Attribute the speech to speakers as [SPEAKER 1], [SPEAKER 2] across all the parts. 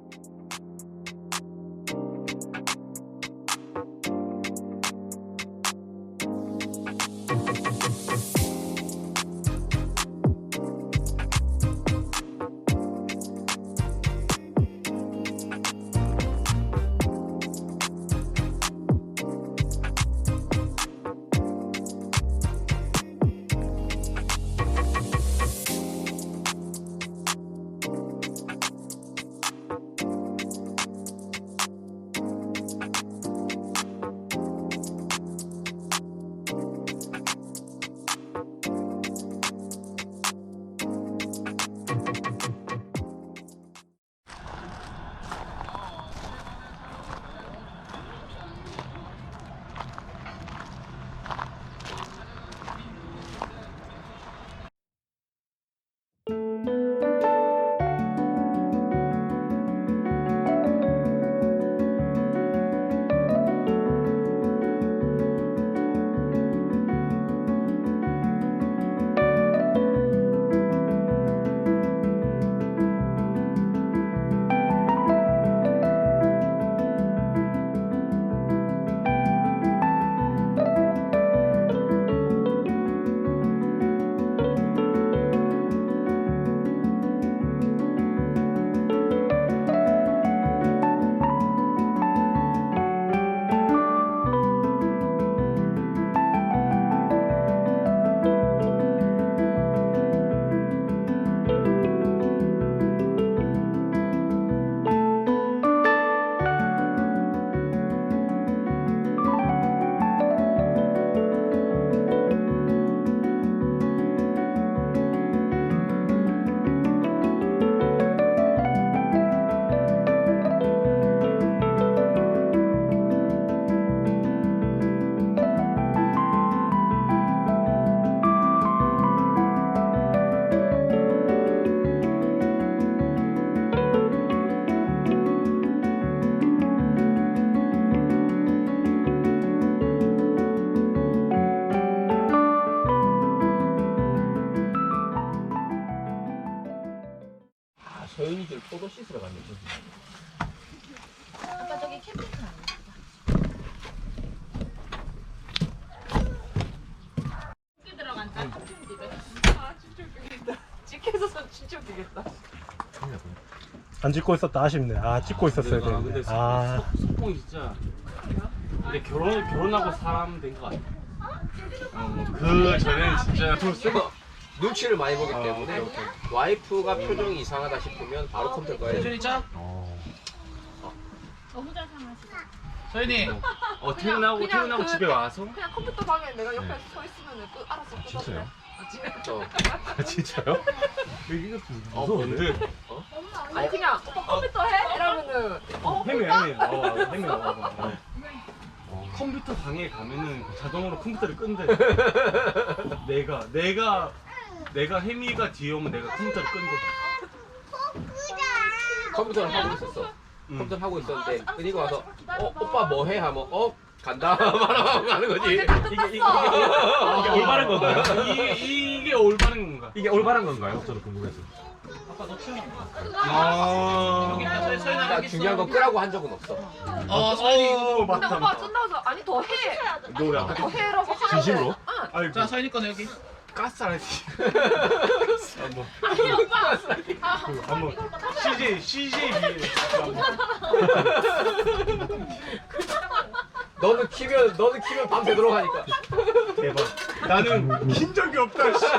[SPEAKER 1] 서윤이들 포도 씻으러 갔네.
[SPEAKER 2] 아까 저기 캠핑카 들어간다. 아 진짜 웃기겠다. 찍혀서 진짜 웃기겠다.
[SPEAKER 3] 안 찍고 있었다. 아쉽네. 아 찍고 있었어야 되는데.
[SPEAKER 1] 근데
[SPEAKER 3] 아
[SPEAKER 1] 석봉이 진짜. 근데 결혼하고 사람 된 거 같아. 그 전에는 진짜 돈 쓰고
[SPEAKER 4] 눈치를 많이 보기 때문에 와이프가 표정이 이상하다 싶으면 바로 컴퓨터 꺼야 돼.
[SPEAKER 1] 서윤이 짱.
[SPEAKER 2] 너무 잘 상하시다.
[SPEAKER 1] 서윤이. 퇴근하고
[SPEAKER 2] 그-
[SPEAKER 1] 집에 와서.
[SPEAKER 2] 그냥 컴퓨터 방에 내가 옆에 서 있으면 알아서 끄덕대.
[SPEAKER 3] 진짜요?
[SPEAKER 4] 어.
[SPEAKER 3] 진짜요? 이거
[SPEAKER 1] 뭔데?
[SPEAKER 2] 아니 그냥 오빠 컴퓨터 해? 이러면은
[SPEAKER 1] 혜미 와봐. 컴퓨터 방에 가면은 자동으로 컴퓨터를 끈대. 내가 혜미가 뒤에 오면 내가 컴퓨터를 끈대.
[SPEAKER 4] 컴퓨터를 하고 있었어. 컴퓨터 하고 있었는데 그리고 와서 오빠 뭐 해? 하면 간다 말하고 가는 거지.
[SPEAKER 1] 이게 올바른 건가요? 이게 올바른 건가?
[SPEAKER 3] 이게 올바른 건가요? 저도 궁금해서.
[SPEAKER 1] 아빠 너 치워.
[SPEAKER 4] 나 중요한 건 끄라고 한 적은 없어.
[SPEAKER 2] 근데
[SPEAKER 3] 맞다.
[SPEAKER 2] 오빠 끝나서 아니 더 해.
[SPEAKER 3] 너 약간
[SPEAKER 2] 더 해라고 하는데.
[SPEAKER 3] 진심으로?
[SPEAKER 2] 응.
[SPEAKER 3] 아니
[SPEAKER 1] 자 서인이 거는 여기. 가스라이팅. 한번
[SPEAKER 2] 아니 오빠.
[SPEAKER 3] 한번 CJ
[SPEAKER 4] 너는 키면 밤새도록 하니까.
[SPEAKER 3] 대박. 나는 킨 적이 없다. 씨.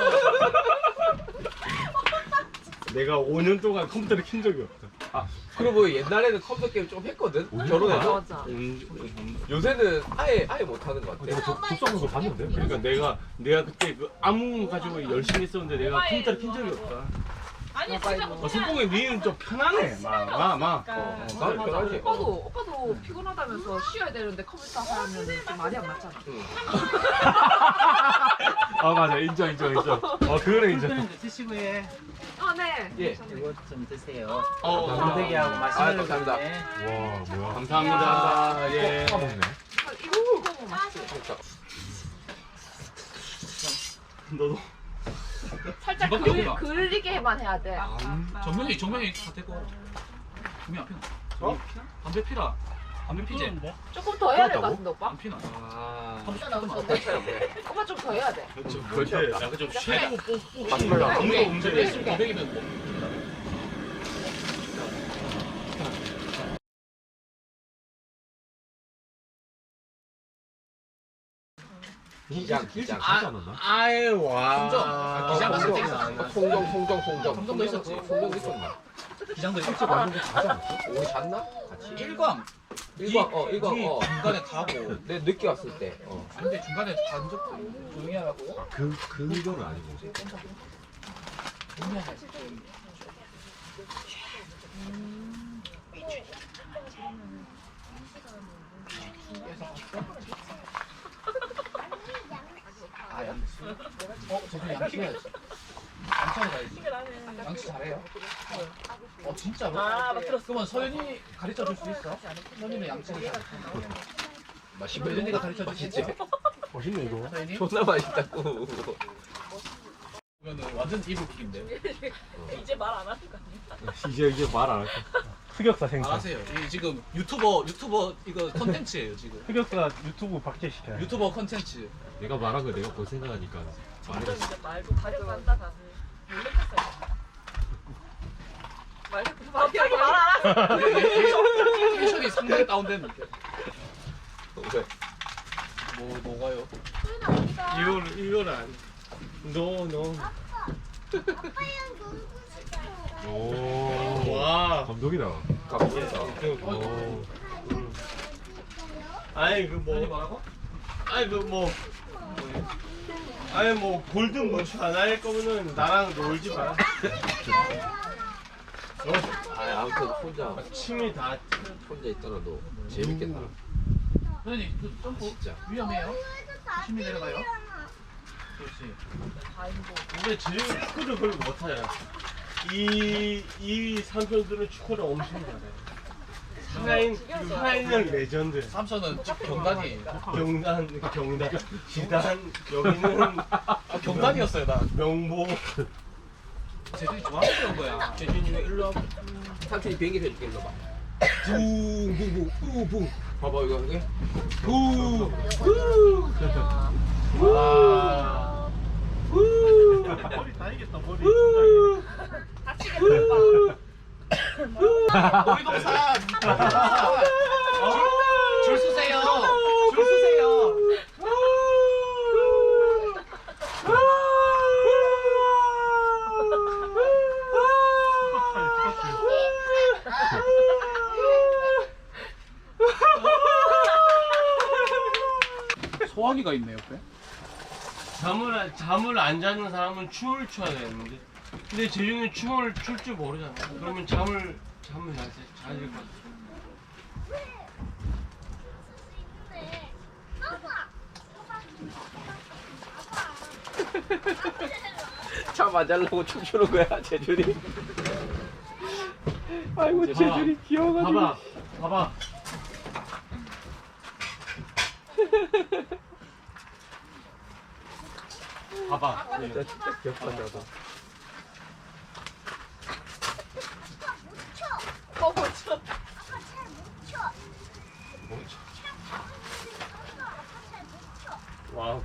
[SPEAKER 3] 내가 5년 동안 컴퓨터를 킨 적이 없다.
[SPEAKER 4] 그리고 옛날에는 컴퓨터 게임 좀 했거든. 결혼해서.
[SPEAKER 2] 맞아.
[SPEAKER 4] 요새는 아예 못 하는 것 같아.
[SPEAKER 3] 독서하는 거 봤는데?
[SPEAKER 1] 그러니까 내가 그때 그 암흑 가지고 열심히 했었는데 내가 컴퓨터를 킨 적이 없다.
[SPEAKER 2] 아니 진짜
[SPEAKER 1] 손봉이 니는 좀 편하네. 막.
[SPEAKER 4] 나는 편하지.
[SPEAKER 2] 오빠도 피곤하다면서 쉬어야 되는데 컴퓨터 하면 좀 말이 안 맞잖아.
[SPEAKER 3] 아 맞아 인정. 그거는 인정.
[SPEAKER 5] 드시고 해.
[SPEAKER 2] 아 네.
[SPEAKER 4] 예.
[SPEAKER 5] 이거 좀 드세요.
[SPEAKER 4] 감사합니다.
[SPEAKER 5] 건더기하고 마시멜로
[SPEAKER 4] 감사합니다.
[SPEAKER 3] 와 뭐야?
[SPEAKER 1] 감사합니다. 예.
[SPEAKER 3] 먹네.
[SPEAKER 2] 이거 뭐 맛있지?
[SPEAKER 1] 너도.
[SPEAKER 2] 살짝
[SPEAKER 1] 이밖에 없다.
[SPEAKER 2] 그을리게만 해야 돼.
[SPEAKER 5] 정면이 다 되고.
[SPEAKER 6] 종이 안 피나?
[SPEAKER 3] 어?
[SPEAKER 6] 피나? 담배 피라. 담배 피지?
[SPEAKER 3] 피는데?
[SPEAKER 2] 조금 더 해야 될 것
[SPEAKER 1] 그렇다고?
[SPEAKER 2] 같은데 오빠?
[SPEAKER 6] 안 피나?
[SPEAKER 4] 아.
[SPEAKER 2] 오빠 좀 더 해야 돼.
[SPEAKER 1] 좀 그렇게 약간 좀 쉐고 뽑고
[SPEAKER 4] 마시멜로 안
[SPEAKER 1] 아무도 없는데
[SPEAKER 6] 200이면 뭐?
[SPEAKER 4] 기장.
[SPEAKER 1] 아유 와
[SPEAKER 6] 송정. 아, 기장 같은 게 있어.
[SPEAKER 4] 송정.
[SPEAKER 6] 송정도 있었지.
[SPEAKER 4] 송정도 있었나?
[SPEAKER 6] 기장도 있었지.
[SPEAKER 4] 우리 잤나? 같이.
[SPEAKER 6] 일광.
[SPEAKER 4] 일광 일광
[SPEAKER 6] 니 중간에 타고.
[SPEAKER 4] 내 늦게 왔을 때.
[SPEAKER 6] 근데 중간에 잔 적도 조용히 하라고.
[SPEAKER 1] 그 의도는 아니고
[SPEAKER 6] 조용히 하자. 아 양치. 저분 양치 해야지. 양치하러 가야지. 양치 잘해요. 진짜로?
[SPEAKER 2] 아, 나 들었어.
[SPEAKER 6] 그러면 서연이 가르쳐 줄 수 있어? 서연이는 양치를 잘해.
[SPEAKER 4] 맛있네.
[SPEAKER 6] 서연이가 가르쳐 줄 수 있지?
[SPEAKER 3] 멋있네 이거.
[SPEAKER 6] 서연이?
[SPEAKER 4] 존나 맛있다고.
[SPEAKER 6] 그러면은 완전 이불킥인데.
[SPEAKER 2] 이제 말 안 하는 거 아니야?
[SPEAKER 1] 이제 말 안 할게
[SPEAKER 3] 흑역사 생산.
[SPEAKER 6] 알아세요. 이 지금 유튜버 이거 컨텐츠예요 지금.
[SPEAKER 3] 흑역사 유튜브 박제시켜야 돼.
[SPEAKER 6] 유튜버 컨텐츠.
[SPEAKER 1] 내가 말한 거 내가 볼 생각하니까 말해봤어
[SPEAKER 2] 이제 말고 가려간다 다들. 놀랬겠어요. 갑자기 말 안 하고.
[SPEAKER 6] 텐션이 상당히 다운됐는데.
[SPEAKER 4] 왜?
[SPEAKER 6] 뭐가요?
[SPEAKER 3] 이거는 안. 노.
[SPEAKER 1] 오
[SPEAKER 3] 와.
[SPEAKER 1] 감독이다
[SPEAKER 4] 가보겠다.
[SPEAKER 1] 오.
[SPEAKER 3] 아니 그
[SPEAKER 6] 서연이
[SPEAKER 3] 뭐.
[SPEAKER 6] 뭐라고?
[SPEAKER 3] 아니 그 뭐. 아니 뭐 골든 무추 안 할 거면은 나랑 놀지 마.
[SPEAKER 4] 아무튼 혼자
[SPEAKER 3] 침이 다.
[SPEAKER 4] 있더라도 재밌겠다.
[SPEAKER 6] 서연이 그 점프
[SPEAKER 4] 진짜.
[SPEAKER 6] 위험해요. 조심히 내려가요. 그렇지.
[SPEAKER 3] 근데 재중이 축구를 별로 못하잖아. 이 삼촌들은 축구를 엄청 잘해. 하이는 레전드.
[SPEAKER 6] 삼촌은 경단이에요.
[SPEAKER 3] 경단, 지단, 여기는
[SPEAKER 6] 경단이었어요 나.
[SPEAKER 3] 명보.
[SPEAKER 6] 재준이 좋아서 그런 거야.
[SPEAKER 3] 재준이는 일로 와봐.
[SPEAKER 4] 삼촌이 비행기 해줄게 일로 봐.
[SPEAKER 3] 붕붕붕붕붕.
[SPEAKER 4] 봐봐 이거 이게.
[SPEAKER 3] 와. 머리 다이겠다 머리.
[SPEAKER 6] 놀이동산. 줄 서세요. 줄 서세요. 소화기가 있네 옆에.
[SPEAKER 3] 잠을 안 자는 사람은 춤을 춰야 되는데. 근데 재중이는 춤을 출 줄 모르잖아. 그러면 잠을 자야 될 것 같아.
[SPEAKER 4] 참 안 잘라고 춤추는 거야 재준이. 아이고 재준이 귀여워가지고.
[SPEAKER 3] 봐봐. 봐봐.
[SPEAKER 4] 진짜 귀엽다.
[SPEAKER 2] 멈춰.
[SPEAKER 3] 와우.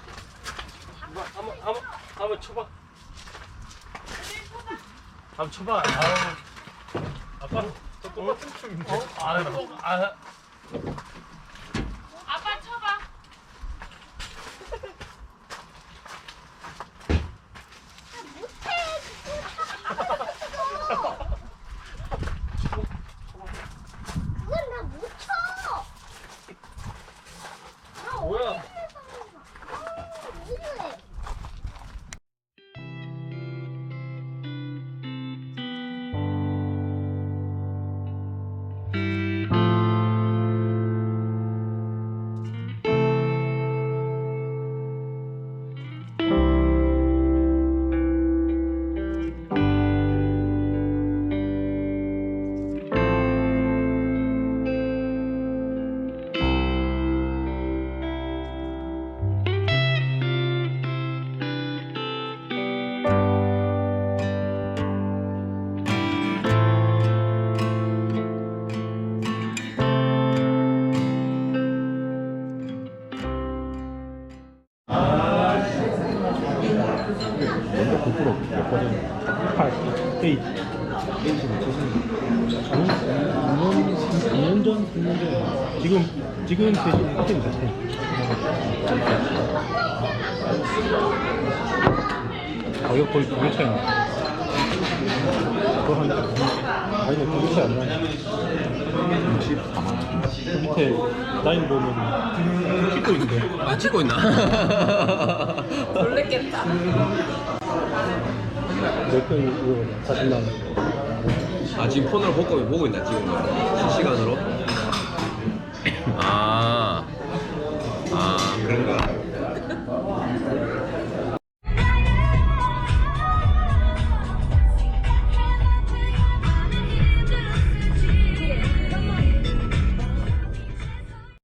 [SPEAKER 3] 한번 쳐봐. 한번 쳐봐. 아우. 아빠 저 똑같은 춤인데. 아.
[SPEAKER 2] 아빠 쳐봐.
[SPEAKER 3] 뭐야?
[SPEAKER 7] 지금 지금 호텔 같아. 가격 거의 2배 차이 나. 그거 한 아니 2배 차이 안 나. 64만 원. 그 밑에 라인 보면 찍고 있는데.
[SPEAKER 4] 아 찍고 있나?
[SPEAKER 2] 놀랬겠다.
[SPEAKER 7] 몇건 이거 40만 원.
[SPEAKER 4] 아 지금 폰으로 보고 있나 지금 실시간으로? 아 그런가?